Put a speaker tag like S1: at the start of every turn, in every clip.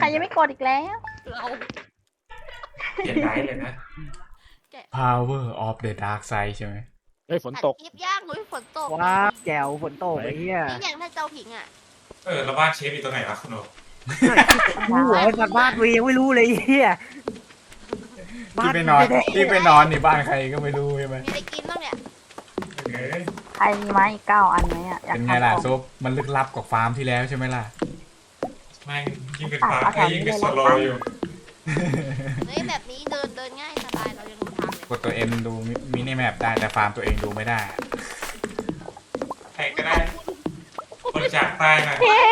S1: ยังไม่กดอีกแล้ว
S2: เรา
S3: เขียนได้เลยนะ
S4: Power of the Dark Side ใช่ไหม
S5: เฮ้ยฝน
S2: ตัด
S5: ตก
S2: คลิปย่างนุ้ยฝนตก
S6: ว้าวแจ๋วฝนตกไอ้เหี้ย
S2: นี่อย่างถ้าเจ้าผิงอ่ะ
S3: แล้วบ้านเชฟอยู่ตรงไหนวะคุณโอ
S6: รู้หัวสัตว์บ้านวียังไม่รู้เลยไอ้เหี้ย
S4: ที่ไปนอนที่ไปนอนในบ้านใครก็ไม่รู้ใช่ไหม
S2: มีอะไรกินบ้างเนี่ย
S1: ใครมีไม้อีก9 อันไหมอ่ะอยาก
S4: เป็นไง
S1: ทำ
S4: ล่ะ
S1: ของ
S4: ซุปมันลึกลับกว่าฟาร์มที่แล้วใช่ไหมล่ะ
S3: แม่งยิ่งเป็นฟ้ายิ่งเป็นโซโลอยู่
S2: เฮ้ยแบบนี้เดินง่ายสบายเรายังรู้ทางเลย
S4: กดตัวเอ็มดูมินิแมปได้แต่ฟาร์มตัวเองดูไม่ได้
S3: ใครก็ได้บริจาคใต้หน่อย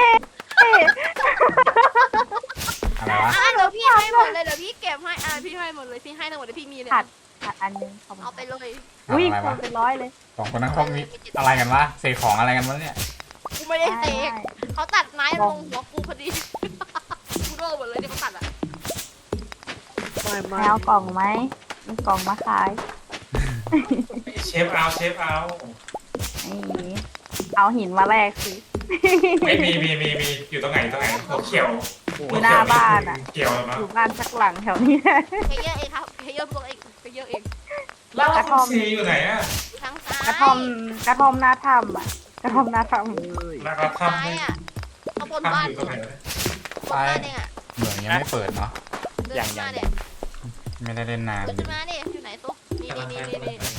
S4: อะไรวะ
S2: เดี๋ยวพี่ให้หมดเลยเดี๋ยวพี่เก็บให้พี่ให้หมดเลยพี่ให้ทั้งหมดเลยพี่มีเลย
S1: ขาดอันนึง
S2: เอาไปเลย
S1: อุ้ย
S4: อะไร
S1: ค
S4: วะ
S1: นเป็นร้อยเลย
S4: สองคนนั้นเขามีอะไรกันวะเสกของอะไรกันวะเนี่ย
S2: กูไม่ได้เตะเขาตัดไม้ลงหัวกูพอดีกูโดนหมดเลยที่เขาตัดอ่ะ
S6: ไม่
S1: แมวกล่องไหมมีกล่องมาขาย
S3: เชฟเอา
S1: นี่เอาหินมาแลกสิ
S3: ไม่มีอยู่ตรงไหนหัวเขียว
S1: อยู่หน้าบ้านอ่ะ
S3: เขียวเนาะ
S1: อยู่บ้านสักหลังแถวนี้
S2: เพเยอร์เองครับเพเยอร์ตัวเองเพเยอร์เอง
S3: แล้วคุณซีอยู่ไหนอะ
S2: ทั้งซ้าย
S1: กระท่อมหน้าถ้ำอ่ะกระท่อมหน้าถ้ำ
S3: แล้วก็
S2: ซ้า
S3: ทำ
S2: ยอ่ะข้างบนบ้าน
S3: อยู่ตรงไหน
S2: บนบ้านเองอ่ะ
S4: เหมืองยังไม่เปิดเนาะ
S2: เดินมาเนี่ย
S4: ไม่ได้เล่นนาน
S2: เดินมาเนี่ยอยู่ไหนตุ๊กนี่ทางนี้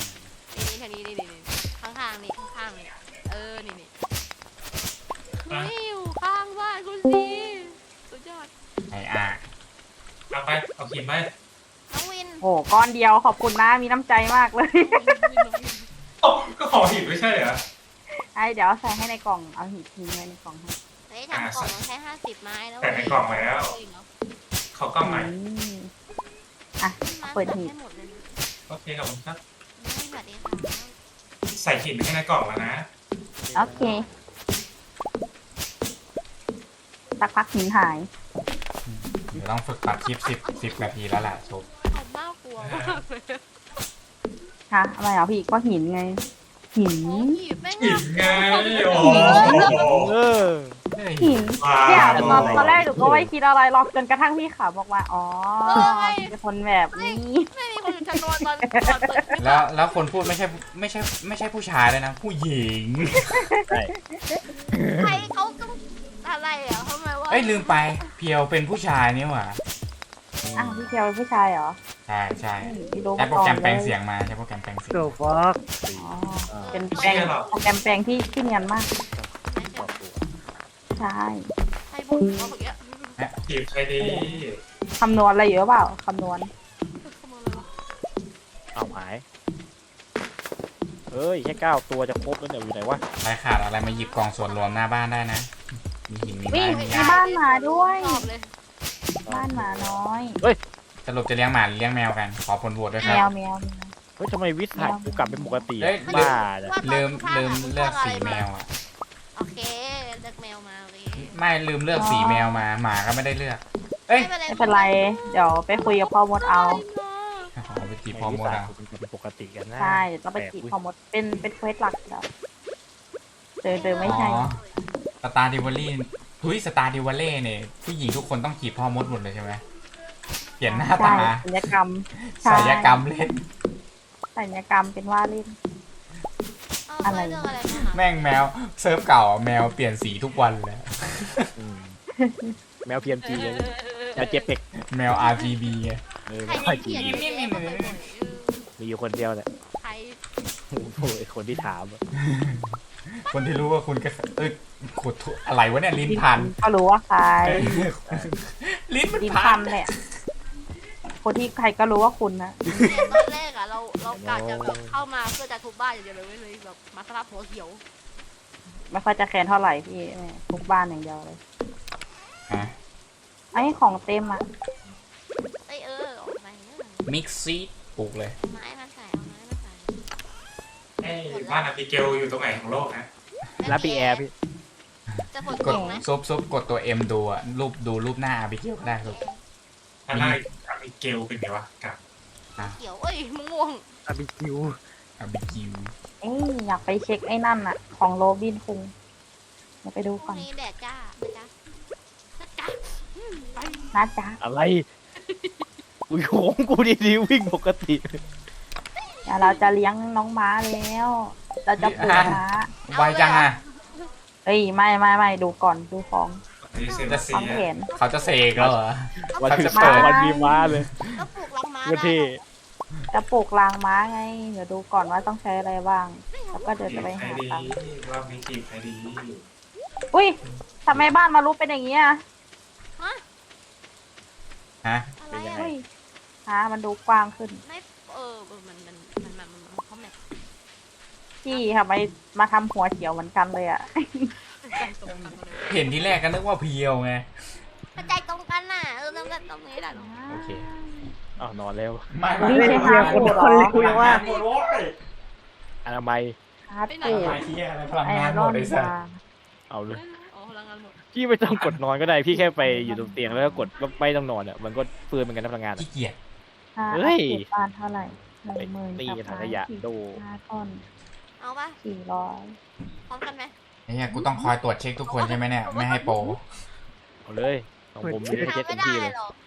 S2: ข้างๆนี่ข้างๆนี่นี่เฮ้ยอยู่ข้างบ้านคุณซีสุดยอด
S4: ไอ้อ่ะ
S3: เอาไปเอาขีดไป
S2: น้องวิน
S1: โอ้ก้อนเดียวขอบคุณนะมีน้ำใจมากเลย
S3: ก็ขอหินไม่ใช่เหรอ
S1: เดี๋ยวใส่ให้ในกล่องเอาหินทิ้งไว้ในกล่องให้
S2: เฮ้ยทำกล่องต้องใช้50 ไม้แล้ว
S3: แต่ในกล่องแล้วเขากล้องใหม่
S1: เปิดหีบ
S2: หมดเลยนะ
S3: โอเคขอบคุณครับ
S2: สวัสดีค่ะ
S3: ใส่หินให้ในกล่องแล้วนะ
S1: โอเคสักพักหินหาย
S4: เดี๋ยวต้องฝึกตัดคลิป10นาทีแล้วแหละซุป
S2: เขาน่ากลัวมากเลย
S1: ฮะอะไรเหรอพี่ก็หินไง หิน
S2: โอ้ยแม่ง
S3: หินไงโอ้
S5: เออ
S1: หินเนี่ยตอนแรกหนูก็ไม่คิดอะไรหรอกจนกระทั่งพี่ขาวบอกว่าอ๋อเป็นคนแบบนี้
S2: ไม่มีคนจะนอนตอนเปิด
S4: แล้วคนพูดไม่ใช่ผู้ชายเลยนะ ผู้หญิง
S5: ใช่
S2: ใครเขาก็อะไรอ่ะทำไมว่า
S4: เอ้ยลืมไปเพียวเป็นผู้ชายนี่หว่า
S1: อ้าวพี่เทียวเป็นผู้ชายเหรอ
S4: ใช่ใช่
S1: พี่รู้
S4: ใช้
S1: มา
S4: โปร
S1: ก่อ
S4: แกร
S1: น
S4: ม
S1: เล
S4: แปลง
S1: ย
S4: เสียงมาใช้โปรแกรมแปลงเสียง
S6: โดฟัก
S1: อ๋อเป็นแปลงโปรแกรมแปลงที่เนียนมากใช่
S2: ใครบุกเขาอย่างเงี้ย
S3: จีบใครดี
S1: คำนวณอะไรเยอะเปล่าคำนวณ
S5: เอาหายเอ้ยแค่9 ตัวจะครบแล้วเนี่ยอยู่ไหนวะ
S4: ใครขาดอะไรมาหยิบกล่องส่วนรวมหน้าบ้านได้นะ มีหินมี
S1: วิ่
S4: ไม้
S1: ง
S4: มี
S1: มี
S4: หญ้า
S1: บ้านหมาด้วย
S2: ตอบเลย
S1: บ้านหมาน้อย
S4: สรุปจะเลี้ยงหมาหรือเลี้ยงแมวกัน ขอผลโหวตด้วยค
S1: แม
S4: รับ
S1: วแมว
S5: เฮ้ยทำไมวิทย์ถ่ายกูกลับเป็นปกติ
S4: เฮ้ย
S5: บ้าจ้ะ
S4: ลืมเลือกสีแมวอ่ะ
S2: โอเคเลือกแมวมาเลย
S4: ไม่ลืมเลือกสีแมวมาหมาก็ไม่ได้เลือก เอ้ย
S1: ไม่เป็นไรเดี๋ยวไปคุยกับพ่อมดเอา
S4: ขอไปจีบพอมดเอา
S5: เป็นปกติกันนะ
S1: ใช่ต้องไปจีบพ่อมดเป็นเควสหลักเดี๋ยวเดินไม่ใช่
S4: อ๋อสตาร์ดิวอลลี่ทุยสตาร์ดิวอลเล่เนี่ยผู้หญิงทุกคนต้องจีบพ่อมดหมดเลยใช่ไหมเปลี่ยนหน้า
S1: ใช่
S4: ตา
S1: ศัลยกรรม
S4: ศัลยกรรมเล่น
S1: ศัลยกรรมเป็นว่าเล่น
S2: อะไรเรื่องอะไรมา
S4: แม่งแมวเซิร์ฟเก่าแมวเปลี่ยนสีทุกวันเลย
S5: อืมแมว PMG เลยแมวเจ็บเป็ก
S4: แมว RGB ไง
S2: ใคร
S5: ไม่ค่อย
S2: เขี
S5: จี
S2: ยน
S5: มีอยู่คนเดียวแหละ
S2: ใคร
S5: โอ้โหไอ้คนที่ถามอะ
S4: คนที่รู้ว่าคุณก็ขุดอะไรวะเนี่ยลิ้นพัน
S1: ก็รู้ว่าใคร
S4: ลิ้นมัน
S1: ดิม
S4: พั
S1: พั
S4: น
S1: นแหละคนที่ใครก็รู้ว่าคุณนะ
S2: ตอนแรกอ่ะเรากะจะแบบเข้ามาเพื่อจะทุบบ้านอย่างเดียวเลยแบบมาสลับหัวเขียว
S1: ไม่ค่อยจะแค้นเท่าไหร่พี่ทุกบ้านอย่างเดียวเลย
S4: ฮะ
S1: ไอ้ของเต็มอ่ะ
S2: ไอออกไป
S4: มิกซีปลูกเลย
S2: ไม้มาใส่เอาไม้มาใส่
S3: ไอ้บ้านอบิเกลอยู่ตรงไหนของโลกนะ
S5: รับปีแอร์พี่
S2: จะฝน
S4: ก
S2: ต
S4: ด
S2: กไหม
S4: ซุปกดตัว M ดูอะดูรูปหน้าอาบิเกลก็ได้ครับ
S3: ถ้าหน้าอบิเกลเป็นไงวะกับ
S2: เขียวเอ้ยม่วง
S6: อาบิคิว
S4: อาบิเกล
S1: อยากไปเช็คไอ้นั่นอ่ะ ของโรบินคุงเดี๋ยวไปดู
S2: พ
S1: ก่
S2: รุ่
S1: อง น
S2: นี้แดดจ้านะจ๊ะไป
S1: นะจ๊ะ
S5: อะไรกูโค้งกูดีๆวิ่งปกติ
S1: เดี๋ยวเราจะเลี้ยงน้องม้าแล้ว เราจะปลูกม้า
S4: ไวจังอ่ะ
S1: เอ้ยไม่ดูก่อนดูของ
S3: นี่เซน
S4: จะ
S3: เซี
S1: ของ
S3: ย
S1: แผน
S4: เขาจะเสกแล้วเหรอ
S5: วัน
S4: เขา
S5: ที่
S4: จะ
S5: สอง
S4: เปิด
S5: วันมีม้าเลย
S2: ก็ปลูกรังม้า
S5: วัน
S2: ได้
S5: ที่
S1: จะปลูกรางม้าไง เดี๋ยวดูก่อนว่าต้องใช้อะไรบ้าง แล้วก็เดี๋ยว
S3: จี
S1: จะ
S3: บ
S1: ไป
S3: ใคร
S1: หา
S3: ดี
S1: ตังค์
S3: รอบนี้จีบใครดี
S1: อุ้ยทำไมบ้านมารุเป็นอย่างนี้อ่ะ
S4: ฮะ
S2: อะไรอ่ะ
S1: เฮ้ยมันดูกว้างขึ้น
S2: ไม่มันเขาแมท
S1: พี่ทำไมมาทำหัวเขียวเหมือนกันเลยอ่ะ
S2: ใจตรงกันเลย
S4: เห็นที่แรกก็นึกว่าเพียวไง
S2: ใจตรงกันน่ะเริ่มกันตรงนี้แหละ
S4: โอเค
S5: อ้าวนอนแล้ว
S4: ไม่
S1: นี่
S4: ไม่
S1: ใช่
S4: ไม่
S1: ฮาร์ดบูดเหรอ
S6: คุยว่า
S5: อนามัย
S1: ฮาร์ด
S2: ไปไหน
S1: บูด
S2: อ่ะ
S4: ไอ้เหี้ยอะไรพลัง
S1: ไอง
S4: านห
S1: ร
S4: ม
S1: อ
S4: ด
S1: น
S4: เลยสัส
S1: มา
S5: เอาเลย
S2: อ๋อพลังงานหมด
S5: พี่ไม่ต้องกดนอนก็ได้พี่แค่ไปอยู่ตรงเตียงแล้วก็กดว่าไม่ต้องนอนอ่ะมันก็เฟืนเหมือนกันนะพลังงานอะ
S4: ขี้เกียจ
S5: เฮ้ย
S1: อัปเดตบ้านเท่าไหร่10,000
S5: ตี
S1: กับ
S5: ถังขยะโด
S1: 5 ต้น
S2: เอาปะ
S1: 400
S2: พร้อมกันไหม
S4: ไอ้เหี้ยกูต้องคอยตรวจเช็คทุกคนใช่ไหมเนี่ยไม่ให้โปร
S5: เอาเลยของผมนี่เช็ค
S2: ทำ
S5: เต็
S2: ไม่
S5: ม
S2: ได้
S5: ที่เลย
S2: หรอก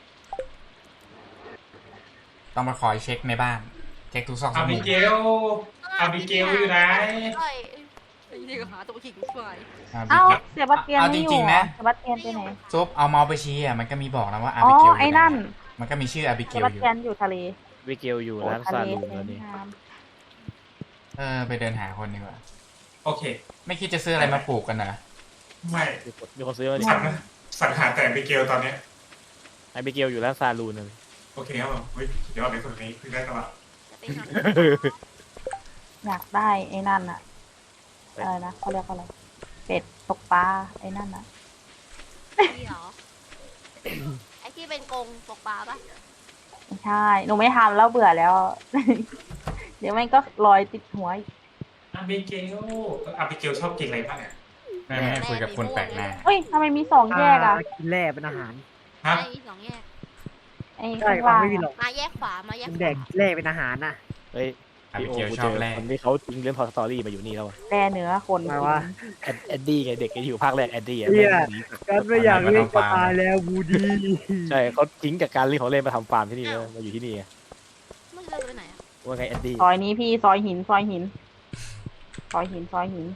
S4: ต้องมาคอยเช็คในบ้าน เช็คทุกซอกทุ
S3: อาก
S4: มุ
S3: บิ
S4: ม
S3: เกลอาบิเกลอยู่ไหน
S2: นี่ก็หาตัวขิงช่วย
S1: เอ้าเซบาสเตียน
S4: เอา
S1: ไม่
S4: จ
S1: อยู่
S4: ริง
S1: เห
S4: ๆ
S1: รอ
S4: นะ
S1: เซบาสเตียนไปไหน
S4: ซุปเอาเมาส์ไปชี้อ่ะมันก็มีบอกนะว่าอา
S1: อ๋อ
S4: บิเกลอยู่
S1: ไอ้
S4: ไหน
S1: นั่น
S4: มันก็มีชื่ออาบิ
S1: เซ
S4: เกล
S1: บาส
S4: อยู่
S1: เตียนอยู่ทะเล
S5: วิเกลอยู่
S1: โอ้
S5: ร้าน
S1: ทะ
S5: ซา
S1: เล
S5: ลูน
S1: เซ
S5: แล้ว
S1: น
S5: นี่
S1: ทาม
S4: ไปเดินหาคนดีกว่า
S3: โอเค
S4: ไม่คิดจะซื้ออะไรมาปลูกกันนะ
S3: ไม่
S5: มีคนซื้อมาดิ
S3: สังหารแต่บิเกลตอนเนี้ย
S5: ไอวิเกลอยู่ร้านซาลูนเลย
S3: โอเคครับผมเฮ้ยเดี๋ยวในคนนี้คือได้ตลอด
S2: จะไปหา
S1: อยากได้ไอ้นั่นอะอะไรนะเขาเรียกว่าอะไรเป็ดตกปลาไอ้นั่นอะ
S2: ที่เหรอไอ้ที่เป็นกรงตกปลาปะ
S1: ไม่ใช่หนูไม่ทำแล้วเบื่อแล้ว เดี๋ยวมันก็ลอยติดหัวอีก
S3: อาบิเกลอาบิเกลชอบกินอะไรบ้างเนี่ย
S4: ไม่ให้คุยกับคนแปลกหน้า
S1: เฮ้ยทำไมมี2แยกอะ
S6: กินแร่เป็นอาหาร
S3: ฮะ
S2: ไอ้สองแยก
S1: ไอ้
S6: ใช่
S1: ข้าง
S6: ความ
S1: ล่าง
S6: ไม่มีหร
S1: อะ
S6: อก
S2: มาแยกขวามาแยก
S6: มัน
S2: ข
S6: แด
S2: วาก
S6: แร่เป็นอาหารน่ะ
S5: เฮ้ย
S4: อา
S5: พี่
S4: บิ
S5: โอ
S4: เกล
S5: กู
S4: ช
S5: เจ
S4: อบ
S5: อ
S4: แรก
S5: คนที่เขาทิ้งเรื่องพอสตอรี่มาอยู่นี่แล้วอะ
S1: แร่เนื้อคน
S6: มาว่า
S5: แอดดี้ไงเด็กที่อยู่ภาคแรกแอดดี้อะ
S6: เหี้ย
S5: แม่งหนี
S6: กันไม่อยากเล่นก็ตายแล้วบูดี
S5: ใช่เขาทิ้งจากการเล่นของเล่นมาทำฟาร์มที่นี่แล้วมาอยู่ที่นี่ไง
S2: มันจะเดินไปไหนอ่ะ
S5: ว่าไงแอดดี้
S1: ซอยนี้พี่ซอยหินซอยหินซอยหินซอยหิน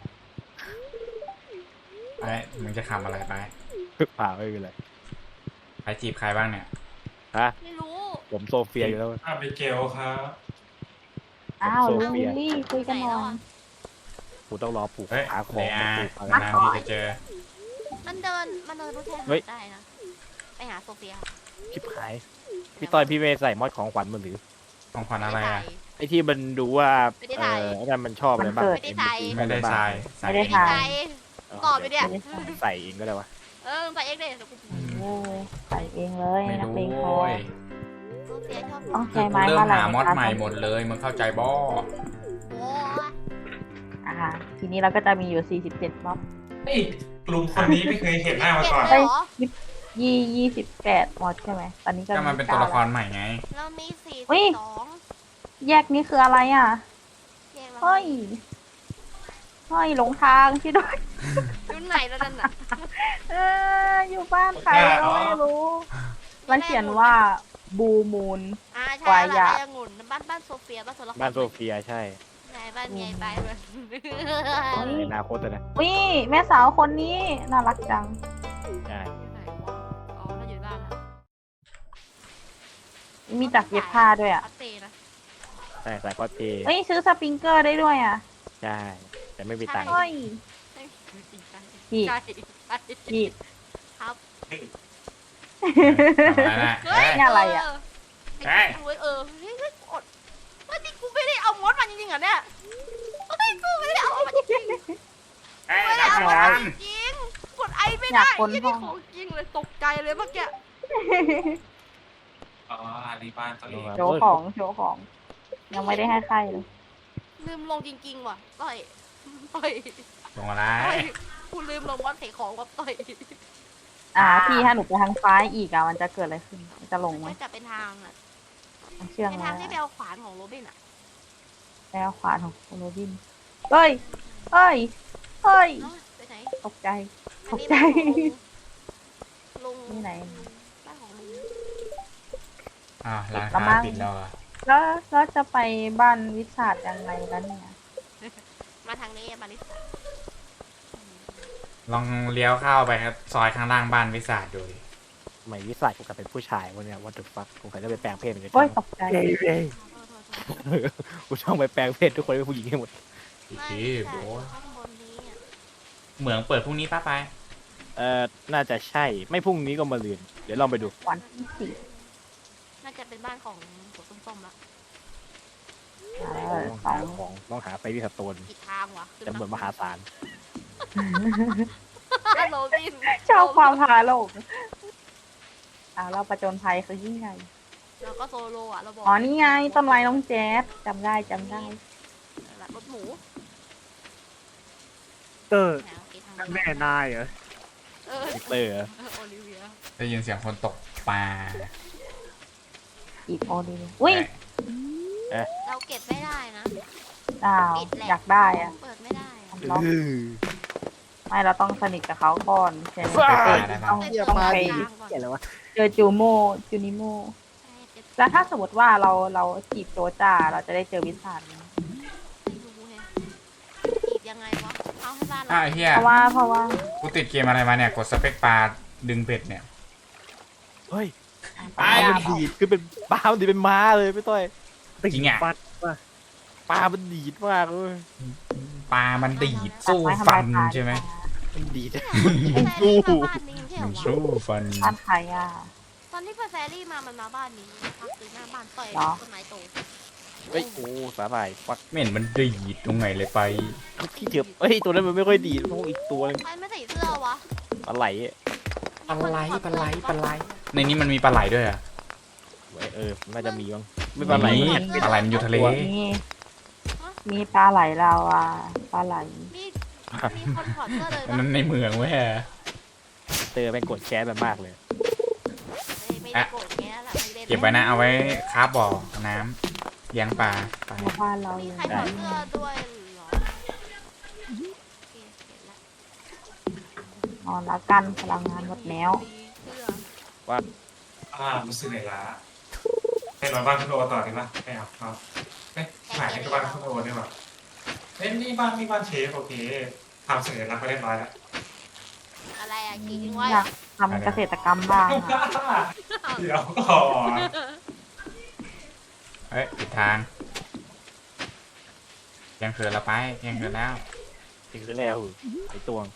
S4: ไอ้มึงจะทำอะไรไป
S5: ป่าไม่เป็นไร
S4: ใครจีบใครบ้างเนี่ย
S5: ฮะ
S2: ไม่รู้
S5: ผมโซเฟียอยู่แล้ว
S3: อาบิเกลครับ
S1: อ้าว
S5: โซ
S1: ลู
S5: เฟีย
S1: ลี่คุยกันหน่อย
S5: กูต้องรอปลูก
S4: เฮ้ย
S5: ขาคอ
S4: เดี๋ยว
S5: ปลูกอะไร
S4: นานๆที่จะเจอ
S2: มันเดินรู้แทน
S5: เฮ้ย
S2: ได้นะไปหาโซเฟีย
S5: ชิบหายพี่ต้อยพี่เมย์ใส่มอดของขวัญมันหรือ
S4: ของขวัญอะไรอ่ะ
S5: ไอที่มันดูว่า
S2: ไม่ได้ใส่
S5: ไอ้นั่นมันชอบอะไรบ้าง
S2: ไม่ได้ใส่
S4: ไม่ได้ทรายใส่
S1: ไม่ได้
S2: ไม่
S1: ถ่า
S2: ได้
S1: ย
S2: ใส่ตอบไปเนี่ย
S1: ไม่ได้ถ่าย
S5: ใส่เองก็ได้วะ
S2: ใส่เอ็กเดย์
S1: เออใส่เองเลย
S4: ไม่
S1: นัก
S4: รู้
S1: เลงพอ
S4: โว้ย
S2: โซเฟียชอบ
S1: ต้อง
S4: คือ
S1: ใช้
S4: กู
S1: ไม้
S4: เริ่ม
S1: มาหลาย
S4: หามอด
S1: คะ
S4: ใหม่หมดเลยมึงเข้าใจบ่
S2: โอ้
S1: ทีนี้เราก็จะมีอยู่47ม็อบ
S3: เฮ้ยลุงคนนี้ไม่เคยเห็นหน้ามาก่อน
S2: เก็บเลยเหรอ
S1: 28ม็อบใช่ไหมตอนนี้ก็
S4: ก็มันเป็นตัวละครใหม่ไง
S2: เรามี
S1: เฮ้ย
S2: 42
S1: แยกนี้คืออะไรอ่ะ
S2: แยกเรา
S1: เฮ้ยเฮ้ยหลงทางช่วยด้วย
S2: อยู่ไหนแล้วนั่นน่ะ
S1: อยู่บ้านใครก็ไม่รู้ มันเขียนว่าบูมูน
S2: ใช่
S1: วาย
S2: แล้ว
S1: ยา
S2: ไอ้องุ่นบ้านโซเฟียบ้านโซล
S5: บ้านโซเฟียใช่
S2: ไหนบ้านใหญ่ไปเลย
S5: ในอนาคตอะนะ
S1: วิแม่สาวคนนี้น่ารักจัง
S5: ใช่
S2: ไหนวะอ๋อเราอยู่บ้านแล้ว
S1: มีจักรเย็บผ้าด้วยอ่ะ
S2: อัปเตนะ
S5: ใช่ใส่คอสเพลย์
S1: เฮ้ยซื้อสปริงเกอร์ได้ด้วยอ่ะ
S5: ใช่แต่ไม่มีตังค์
S1: เฮ้ย พี่
S2: ใช่
S1: พี่
S2: ครับ
S4: ทำอะไรนะ
S2: เฮ้ย
S1: นี่อะไรอะ
S4: เฮ้ย
S2: เฮ้ยเฮ้ยกดเฮ้ยนี่กูไม่ได้เอามดมาจริงๆเหรอเนี่ยเฮ้ยกูไม่ได้เอามาจริงๆ
S4: เฮ้ย
S2: ไม่ได้
S4: รับ
S2: เอา
S4: งาม
S2: าน จริงกดไอไม่ได้ยี่นี่ของจริงเลยตกใจเลยเมื่อกี้
S3: อ๋ออันนี้บ้านตัวเอง
S1: โชว์ของโชว์ของ ยังไม่ได้ให้ใครเลย
S2: ลืมลงจริงๆว่ะต่อย
S4: ลงอะไร
S2: กูลืมลงว่าเทของว่าต่อย
S1: พี่ถ้าหนูไปทางซ้ายอีกอ่ะมันจะเกิดอะไรขึ้นมันจะลงไหม
S2: ไม่แต่เป็นทางอ่ะ
S1: มันเชื่อง
S2: เป็น
S1: ไหม
S2: ทางที่ไปเอาขวานของโรบินอ่ะ
S1: แล้วขวานของโรบินเฮ้ยเฮ้ยเฮ้ย
S2: เนาะไปไหน
S1: ตกใจ
S2: อันนี้
S1: ตกใจ
S2: ลุง
S1: นี่ไหน
S2: บ้านของลุง
S4: อ้าวร้าน
S1: ละ
S4: ค้า
S1: มั้ง
S4: ปิดแล้วเหรอ
S1: แล้วจะไปบ้านวิสาดยังไงกันเนี่ย
S2: มาทางนี้บาริสต้า
S4: ลองเลี้ยวเข้าไปครับซอยข้างล่างบ้านวิสาดดูดิ
S5: ทำไมวิสัยกูกลายเป็นผู้ชายวันเนี้ย what the fuck กูเคยได้ไปแปลงเพศเหมือนกัน
S1: โอ้ยตกใจ
S6: เอ้ยเอ้ย
S5: กูต้องไปแปลงเพศทุกคนเป็นผู้หญิงให้หมด
S4: อีก
S2: ไม่
S4: ที
S2: ใช่
S4: โอ้ย
S2: ข้างบนนี้อ่ะ
S4: เหมืองเปิดพรุ่งนี้ป้าไป
S5: น่าจะใช่ ไม่พรุ่งนี้ก็มาลืน เดี๋ยวลองไปดู
S1: วันที่สี่
S2: น่าจะเป็นบ้านของหัวส้มๆละ
S5: ต้องหาของต้องหาไปวิสโตน
S2: อีกทางวะ
S5: จำนวนมหาศาล
S2: โรบิน
S1: ชอบความพาโลกเราประจนภัยคือยิ่งใหญ่
S2: แล้วก็โซโลอ่ะเราบอก
S1: อ๋อนี่ไงต้นไม้น้องแจ๊สจำได้จำได้
S2: รถหมู
S6: เตอร์
S2: แหมโอเคทาง
S6: แม่นายเหรอ
S2: เออ
S5: วิกเตอร์
S2: โอลิเวีย
S4: ได้ยินเสียงคนตกปลา
S1: อีกโอดีอุ้ย
S2: เราเก็บไม่ได้นะ
S1: อ้าว
S2: ปิดแหละ
S1: อยากได้อะ
S2: เปิดไม่ได้อะ
S1: ล็อกไม่เราต้องสนิทกับเขาก่อนใช่ไหม
S4: ว้าย
S1: ต้อง
S6: เหี้ย
S1: ต้อง
S6: มา
S1: ไป
S6: ดีเหี้ยอะไรวะ
S1: เจอจูนิโม
S2: ใช่เก็บ
S1: แล้วถ้าสมมติว่าเราจีบโจจ่าเราจะได้เจอวิสานไหม
S2: ไม่รู้แฮะจีบยังไงวะเอาให้บ้านเรา
S4: อ้าวไอ้เฮีย
S1: เพราะว่า
S4: กูติดเกมอะไรมาเนี่ย กดสเปคปลาดึงเบ็ดเนี่ย
S5: เฮ้ย
S1: ป
S5: ป
S1: ลา
S5: ลามัน
S1: ดี
S5: ดีดคือเป็นปลามันดีดเป็นม้าเลยพี่ต้อย
S4: จริงอะ
S6: ปัดว่ะ
S5: ปลามันดีดมากเลย
S4: ปลามันดีดสู้ฟันใช่ไหม
S5: มันดีด
S2: มันสู้บ้านนี้ไม่ใช่เหร
S4: มั
S2: อน วะ
S4: สู้ฟัน
S1: บ้านใครอ่ะ
S2: ตอนที่เพื่อนแฟรี่มามันมาบ้านนี้พักซื้อหน้าบ้านต่อย
S1: เหรอ
S2: ต้นไม้โต
S5: เฮ้ยโอ้สาหร่ายฟัก
S4: ไม่เห็นมันดีดตรงไหนเลยไป
S5: ขี้เถื่อบเฮ้ยตัวนั้นมันไม่ค่อยดีดต้องอีกตัวหนึง
S2: ใครไม่ใส่เสื้อวะ
S5: ปลาไหล
S4: ปลาไหลในนี้มันมีปลาไหลด้วยอ่ะ
S5: น่าจะมีบ้างไม่ปลาไหล
S4: มีปลาไหลมันอยู่ทะเล
S1: มีปลาไหลเราอ่ะปลาไหล
S2: มีคนถอดเสื้อเลย
S4: อัน
S2: ปะ
S4: นั้นในเมืองเว้ย
S5: เตอร์แม่งกดแคสมันมากเลย
S2: ไม่ได้โกรธแกแล้วล่ะไม่ได้
S4: เก็บไว้นะเอาไว้คาบบ่อน้ำเลี้ยงปลาไป
S1: ในบ้านเรา
S2: มี
S1: อยู่
S2: ใครถอดเสื้อด้วยเหรอโอเคเห็นละ
S1: นอนแล้วกันพลังงานหมดแล้ว
S2: เสื้อ
S3: รู้สึกเหนื่อยล้าให้นอนบ้านคุณโอต่อดีป่ะไม่เอาเอ๊ะหมายถึงบ้านคุณโอได้ป่ะเอ้ยนี่บ้านเชฟโอเคทำสัญลักษณ์ไปเรียบร้อยแล้ว
S2: อะไรอ่ะขี่ทิ้งไว้
S1: อยากทำเกษตรกรรมบ้างอะ
S3: เดี๋ยวก่อน
S4: เอ้ยผิดทางเที่ยงคืนแล้วไปเที่ยงคืนแล้ว
S5: ถึงแล้วไอตัวง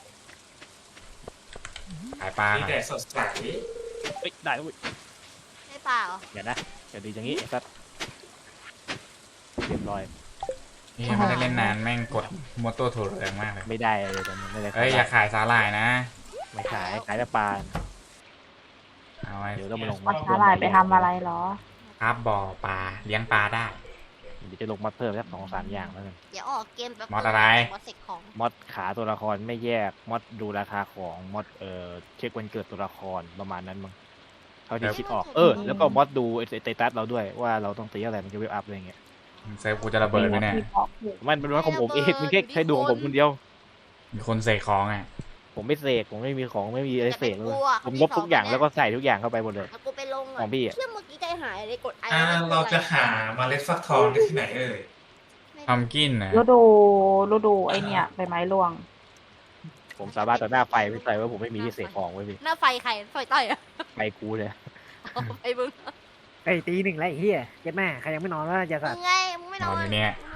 S4: ขายปลา
S3: มี
S4: ก่อน
S3: แต่สดใส
S5: เฮ้ยได้แล้วเว้ย
S2: ไม่เปล่า
S5: อย่านะอย่าดีอย่างงี้ไอ้สัสเรียบร้อย
S4: นี่ไม่ได้เล่นนานแม่งกดมอเตอร์ถูแรงมากเลย
S5: ไม่ได้เลยตอนนี้ไม่ได้
S4: เอ้ยอย่าขายสาหร่ายนะ
S5: ไม่ขายแต่ปลา
S4: เอาไว้
S5: เดี๋ยวต้องมาลง
S1: วัดสาหร่ายไปทำอะไรเหรอ
S4: คาบบ่อปลาเลี้ยงปลาได้
S5: เดี๋ยวจะลงมอดเพิ่มสัก2-3 อย่างแล้วกัน
S2: เดี๋ยวออกเกมแบบ
S4: มอดอะไร
S2: มอดเสกของ
S5: มอดขาตัวละครไม่แยกมอดดูราคาของมอดเช็ควันเกิดตัวละครประมาณนั้นมั้งเท่าที่คิดออกแล้วก็มอดดูไอ้สเตตัสเราด้วยว่าเราต้องตีอะไรมันจะเวลอัพอะไรเงี้ย
S4: เซฟกูจะระเบิดไหมเนี่ย
S5: มันเป็นว่าของผมเองมันแค่ดวงผมคนเดียว
S4: มีคนเสกของอ่ะ
S5: ผมไม่เสกผมไม่มีของไม่มีอะไรเสกเลย
S2: อย่าไปกลัว
S5: ผมลบทุกอย่างแล้วก็ใส่ทุกอย่างเข้าไปหมดเลย
S2: แล้วกูไปลง
S5: ของพี่อะ
S2: เชื่อเมื่อกี้ใจหายเลยกดไอ
S3: เราจะหาเมล็ดฟักทองได้ที่ไหนเอ่ย
S4: ทำกินนะ
S1: ฤดูไอเนี่ยใบไม้ร่วง
S5: ผมสาบานต่อหน้าไฟไม่ใส่ว่าผมไม่มีที่เสกของไว้พี่
S2: หน้าไฟใครไฟต่อยอ่ะ
S5: ไฟกูเลย
S2: ไอ้มึง
S6: ไอ้ตีหนึ่งแล้วไอ้เหี้ยเจ็ดแม่ใครยังไม่นอนวะอย่าสั
S2: มึ
S6: ตว์
S2: งไงมึงไม่น
S4: น
S2: อ
S4: อน
S2: น
S4: อยู่เนี่ย
S2: ม